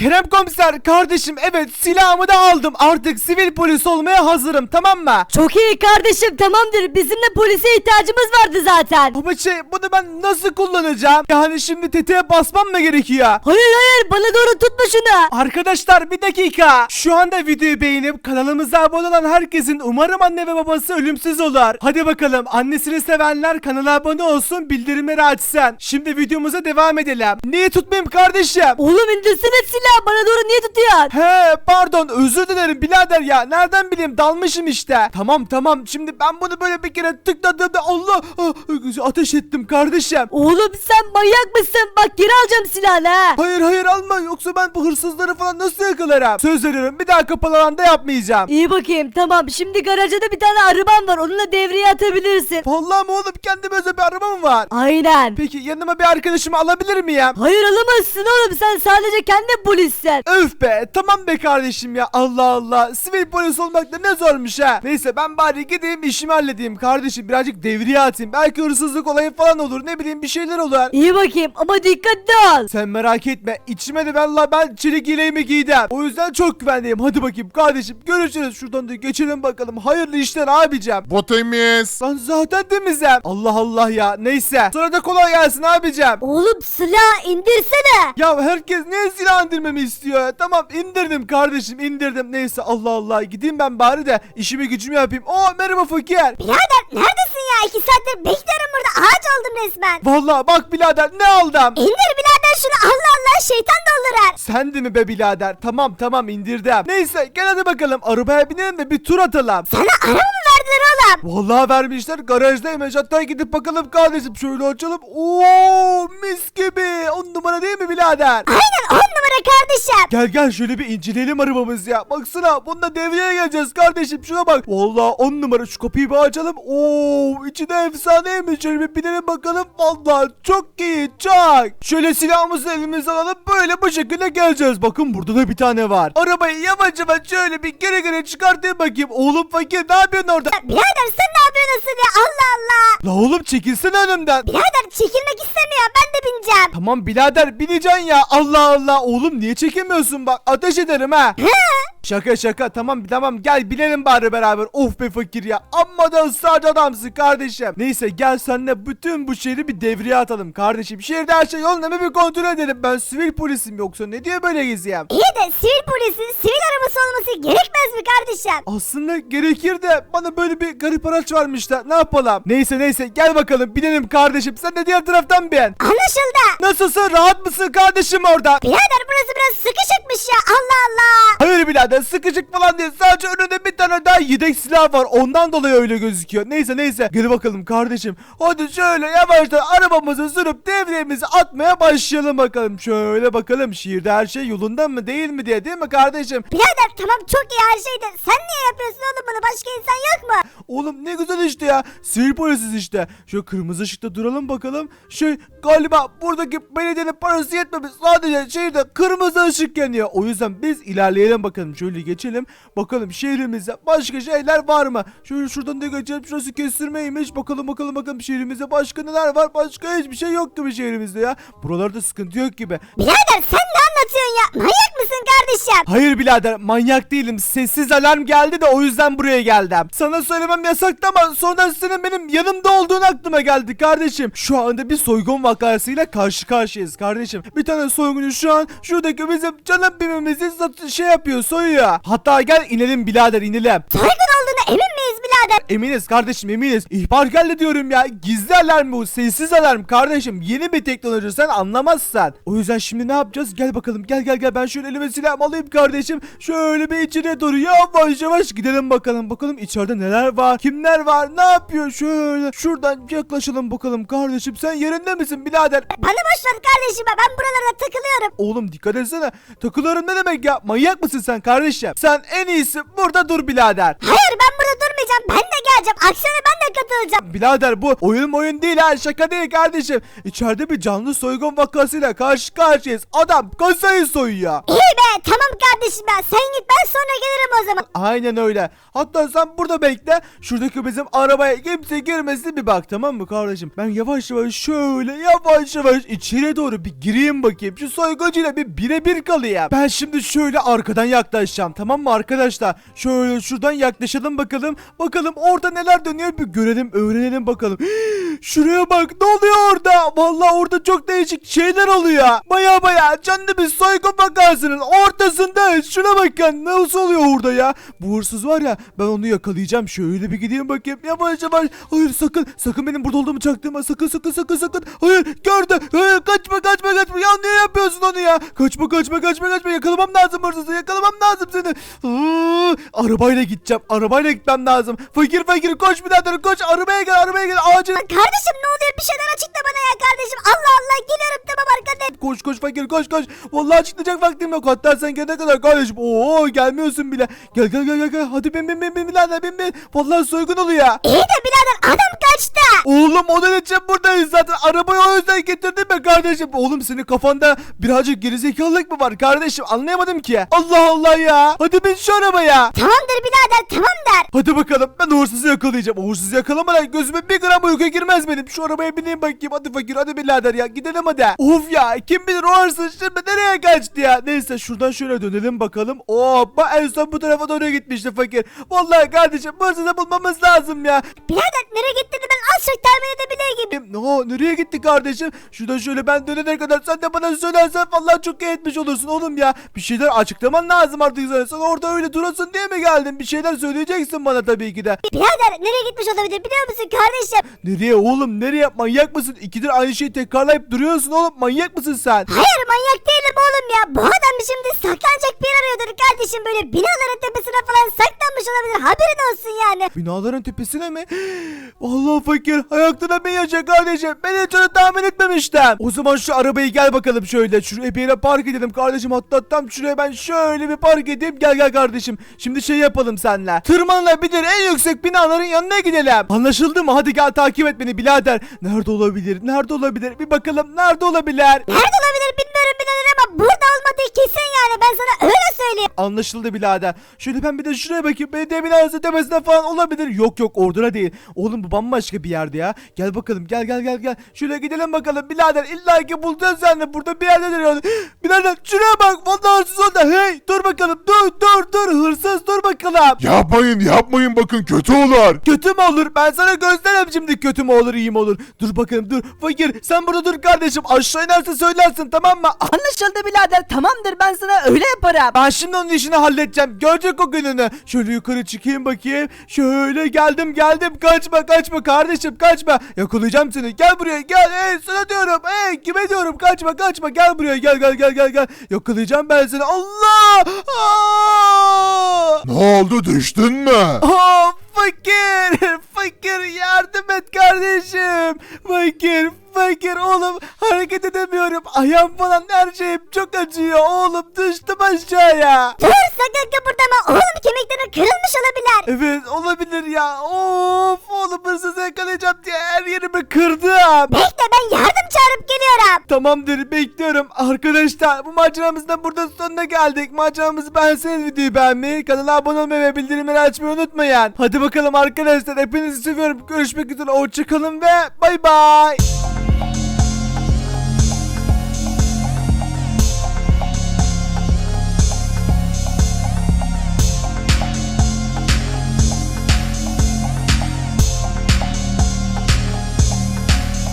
Kerem komiser kardeşim, evet silahımı da aldım. Artık sivil polis olmaya hazırım, tamam mı? Çok iyi kardeşim, tamamdır. Bizim de polise ihtiyacımız vardı zaten. Ama bunu ben nasıl kullanacağım? Yani şimdi tetiğe basmam mı gerekiyor? Hayır, bana doğru tutma şunu. Arkadaşlar bir dakika. Şu anda videoyu beğenip kanalımıza abone olan herkesin umarım anne ve babası ölümsüz olur. Hadi bakalım, annesini sevenler kanala abone olsun, bildirimleri açsın. Şimdi videomuza devam edelim. Niye tutmayayım kardeşim? Oğlum indirsene silahı, bana doğru niye tutuyorsun? He pardon, özür dilerim birader ya. Nereden bileyim, dalmışım işte. Tamam şimdi ben bunu böyle bir kere tıkladığımda Allah ateş ettim kardeşim. Oğlum sen manyak mısın? Bak geri alacağım silahını ha. Hayır alma, yoksa ben bu hırsızları falan nasıl yakalarım? Söz veriyorum, bir daha kapalı alanda yapmayacağım. İyi bakayım, tamam. Şimdi garajda da bir tane arabam var. Onunla devreye atabilirsin. Vallahi mi oğlum, kendime özel bir araba mı var? Aynen. Peki yanıma bir arkadaşımı alabilir miyim? Hayır alamazsın oğlum. Sen sadece kendi polissin. Öf be, tamam be kardeşim ya, Allah Allah. Sivil polis olmak da ne zormuş ha. Neyse ben bari gideyim işimi halledeyim kardeşim, birazcık devriye atayım. Belki hırsızlık olayı falan olur, ne bileyim bir şeyler olur. İyi bakayım ama dikkatli ol. Sen merak etme, içime de ben çelik yeleğimi giydim. O yüzden çok güvendeyim. Hadi bakayım kardeşim, görüşürüz. Şuradan da geçelim bakalım. Hayırlı işler abicim. Bu temiz. Ben zaten temizim. Allah Allah ya, neyse. Sonra da kolay gelsin abicim. Oğlum silah indirsene. Ya herkes niye silah indirmemi istiyor ya? Tamam indirdim kardeşim, indirdim. Neyse Allah Allah, gideyim ben bari de işimi gücümü yapayım. Merhaba fakir. Birader neredesin ya? 2 saattir bekliyorum burada. Ağaç oldum resmen. Vallahi bak birader, ne aldım? İndir birader şunu. Allah Allah, şeytan doldurur. Sen de mi be birader? Tamam indirdim. Neyse gel hadi bakalım, arabaya binelim de bir tur atalım. Sana araba mı verdiler oğlum? Vallahi vermişler, garajdaymış. Hatta gidip bakalım kardeşim, şöyle açalım. Oo mis gibi, 10 numara değil mi birader? Aynen 10 numara kardeşim. Gel şöyle bir inceleyelim arabamız ya. Baksana, bunda devreye geleceğiz kardeşim, şuna bak. Vallahi 10 numara, şu kapıyı bir açalım. Oo içi de efsaneymiş. Şöyle bir binelim bakalım. Vallahi çok iyi, çok. Şöyle silahımızı elimize alalım, böyle bu şekilde geleceğiz. Bakın burada da bir tane var. Arabayı yavaş şöyle bir geri çıkartayım bakayım. Oğlum fakir, ne yapıyorsun orada? Birader sen ne yapıyorsun asıl ya? Allah Allah. La oğlum çekilsene önümden. Birader çekilmek istemiyor. Ben de bineceğim. Tamam birader, bineceksin ya. Allah Allah oğlum, niye çekemiyorsun, bak ateş ederim ha. Şaka tamam gel binelim bari beraber. Of be fakir ya, amma da ısrarcı adamsın kardeşim. Neyse gel seninle bütün bu şehri bir devreye atalım kardeşim. Şehirde her şey yolunda mı bir kontrol edelim. Ben sivil polisim, yoksa ne diye böyle geziyem? İyi de sivil polisin sivil arabası olması gerekmez mi kardeşim? Aslında gerekir de bana böyle bir garip araç varmış da ne yapalım? Neyse gel bakalım binelim kardeşim. Sen de diğer taraftan bin. Anlaşıldı. Nasılsın, rahat mısın kardeşim orada? Birader burası biraz sıkışıkmış ya. Allah Allah. Hayır birader, sıkıcık falan değil. Sadece önünde bir tane daha yedek silah var. Ondan dolayı öyle gözüküyor. Neyse. Gel bakalım kardeşim. Hadi şöyle yavaştan arabamızı sürüp devremizi atmaya başlayalım bakalım. Şöyle bakalım, şehirde her şey yolunda mı değil mi diye, değil mi kardeşim? Birader tamam çok iyi her şeydi. Sen niye yapıyorsun oğlum bunu? Başka insan yok mu? Oğlum ne güzel işte ya. Sivil polisiz işte. Şu kırmızı ışıkta duralım bakalım. Galiba buradaki belediyenin parası yetmemiş. Sadece şehirde kırmızı ışık yanıyor. O yüzden biz ilerleyelim bakalım. Şöyle geçelim. Bakalım şehrimizde başka şeyler var mı? Şöyle şuradan da geçelim. Şurası kestirmeymiş. Bakalım şehrimizde başka neler var? Başka hiçbir şey yok gibi şehrimizde ya. Buralarda sıkıntı yok gibi. Birader sen ne anlatıyorsun ya? Manyak mısın kardeşim? Hayır birader, manyak değilim. Sessiz alarm geldi de o yüzden buraya geldim. Sana söylemem yasaktı ama sonradan senin benim yanımda olduğun aklıma geldi kardeşim. Şu anda bir soygun vakasıyla karşı karşıyayız kardeşim. Bir tane soyguncu şu an şuradaki bizim canım bimimizi yapıyor, soyuyor. Hatta gel inelim birader, inelim. Soygun olduğuna emin miyiz birader? Eminiz kardeşim, eminiz. İhbar geldi diyorum ya. Gizli alarm bu, sessiz alarm kardeşim. Yeni bir teknoloji, sen anlamazsan. O yüzden şimdi ne yapacağız? Gel bakalım, gel. Ben şöyle elime silahımı alayım kardeşim. Şöyle bir içine doğru yavaş gidelim bakalım. Bakalım içeride neler var? Kimler var? Ne yapıyor? Şöyle şuradan yaklaşalım bakalım kardeşim. Sen yerinde misin birader? Bana boş ver kardeşim. Ben buralarda takılıyorum. Oğlum dikkat etsene. Takılıyorum ne demek ya? Manyak mısın sen kardeşim? Sen en iyisi burada dur birader. Hayır ben burada durmayacağım. Ben de geleceğim. Akşama ben de katılacağım. Birader bu oyun değil ha, şaka değil kardeşim. İçeride bir canlı soygun vakasıyla karşı karşıyayız. Adam kasayı soyuyor. İyi be tamam kardeşim. kardeşim ya. Sen git, ben sonra gelirim o zaman. Aynen öyle. Hatta sen burada bekle. Şuradaki bizim arabaya kimse girmesin bir bak, tamam mı kardeşim? Ben yavaş yavaş şöyle yavaş yavaş içeriye doğru bir gireyim bakayım. Şu soyguncuyla bir birebir kalayım. Ben şimdi şöyle arkadan yaklaşacağım, tamam mı arkadaşlar? Şöyle şuradan yaklaşalım bakalım. Bakalım orada neler dönüyor bir görelim, öğrenelim bakalım. Şuraya bak, ne oluyor orada? Vallahi orada çok değişik şeyler oluyor. Baya canlı bir soygun vakasının ortasında. Şuna bakın, nasıl oluyor orada ya? Bu hırsız var ya, ben onu yakalayacağım. Şöyle bir gideyim bakayım. Yavaş yavaş. Hayır, sakın benim burada olduğumu çaktırma. Sakın. Hayır, gördü. Hayır, kaçma. Ya niye yapıyorsun onu ya? Kaçma. Yakalamam lazım hırsızı. Yakalamam lazım seni. Arabayla gideceğim. Arabayla gitmem lazım. Fakir koş birader, koş. Arabaya gel. Acil. Kardeşim ne oluyor? Bir şeyler açıkla bana ya kardeşim. Allah geliyorum, tamam arkadaşım. Koş fakir, koş. Vallahi açıklayacak vaktim yok. Hatta sen gelene kadar kardeşim. Oo, gelmiyorsun bile. Gel. Hadi bin birader, bin. Vallahi soygun oluyor. İyi de birader, adam kaçtı. Oğlum onun için buradayız zaten. Arabayı o yüzden getirdim ben kardeşim. Oğlum senin kafanda birazcık gerizekalılık mı var kardeşim? Anlayamadım ki. Allah ya. Hadi bin şu arabaya. Tamamdır birader, tamam der. Hadi bakalım, ben hırsızı yakalayacağım. O hırsızı yakalamadan gözüme bir gram uyku girmez benim. Şu arabaya bineyim bakayım. Hadi fakir, hadi birader ya. Gidelim hadi. Of ya, kim bilir o hırsız şimdi nereye kaçtı ya. Neyse şuradan şöyle dönelim bakalım. Bak en son bu tarafa doğru gitmişti fakir. Vallahi kardeşim, bu hırsızı bulmamız lazım ya. Birader nereye gittiğini ben az çok tahmin edebilir gibiyim. Nereye gitti kardeşim? Şuradan şöyle ben dönene kadar sen de bana söylersen vallahi çok iyi etmiş olursun oğlum ya. Bir şeyler açıklaman lazım artık sana. Sen orada öyle durasın diye mi geldin? Bir şeyler söyleyeceksin bana tabii ki de. Birader nereye gitmiş olabilir biliyor musun kardeşim? Nereye oğlum, nereye? Manyak mısın? İkidir aynı şeyi tekrarlayıp duruyorsun oğlum. Manyak mısın sen? Hayır, manyak değilim oğlum ya. Bu adam şimdi saklanacak bir yer arıyordur kardeşim. Böyle binaların tepesine falan saklanmış olabilir. Haberin olsun yani. Binaların tepesine mi? Vallahi fakir, ayakta bin yaşa kardeşim. Ben hiç onu tahmin etmemiştim. O zaman şu arabayı gel bakalım şöyle. Şuraya bir yere park edelim kardeşim. Hatta tam şuraya ben şöyle bir park edeyim. Gel kardeşim. Şimdi şey yapalım seninle. Tırmanılabilir en yüksek binaların yanına gidelim. Anlaşıldı mı? Hadi gel takip et beni birader. Nerede olabilir? Bir bakalım nerede olabilir? Nerede olabilir bilmiyorum birader ama burada olmadığı kesin yani. Ben sana öyle söyleyeyim. Anlaşıldı birader. Şöyle ben bir de şuraya bakayım. Belediye binası tepesinde falan olabilir. Yok orada da değil. Oğlum bu bambaşka bir yerde ya. Gel bakalım, gel. Şöyle gidelim bakalım birader. İlla ki bulacağız sen de. Burada bir yerde duruyor. Birader şuraya bak. Vallahi hırsız orada. Hey dur bakalım. Dur. Hırsız dur bakalım. Yapmayın bakın, kötü olur. Kötü mü olur? Ben sana göstereyim şimdi kötü mü olur, iyi mi olur. Dur bakalım, dur. Fakir sen burada dur kardeşim. Aşağı inerse söylersin, tamam mı? Anlaşıldı birader, tamamdır, ben sana öyle yaparım. Ben şimdi onun işini halledeceğim. Görecek o gününü. Şöyle yukarı çıkayım bakayım. Şöyle geldim. Kaçma kardeşim, kaçma. Yakalayacağım seni. Gel buraya, gel. Sana diyorum. Kime diyorum? Kaçma. Gel buraya, gel. Yakalayacağım ben seni. Allah! Ne oldu, düştün mü? Fakir yardım et kardeşim. Fakir oğlum, hareket edemiyorum. Ayağım falan, her şeyim çok acıyor oğlum, düştüm aşağıya. Dur, sakın kıpırdama. Oğlum kemiklerin kırılmış olabilir. Evet olabilir ya. Of oğlum, hırsızı yakalayacağım diye her yerimi kırdım. Bekle, ben yardım çağırıp geliyorum. Tamamdır, bekliyorum. Arkadaşlar bu maceramızın da burada sonuna geldik. Maceramızı beğenseniz videoyu beğenmeyi, kanala abone olmayı ve bildirimleri açmayı unutmayın. Hadi bakalım arkadaşlar, hepinizi seviyorum. Görüşmek üzere, hoşçakalın ve bay bay.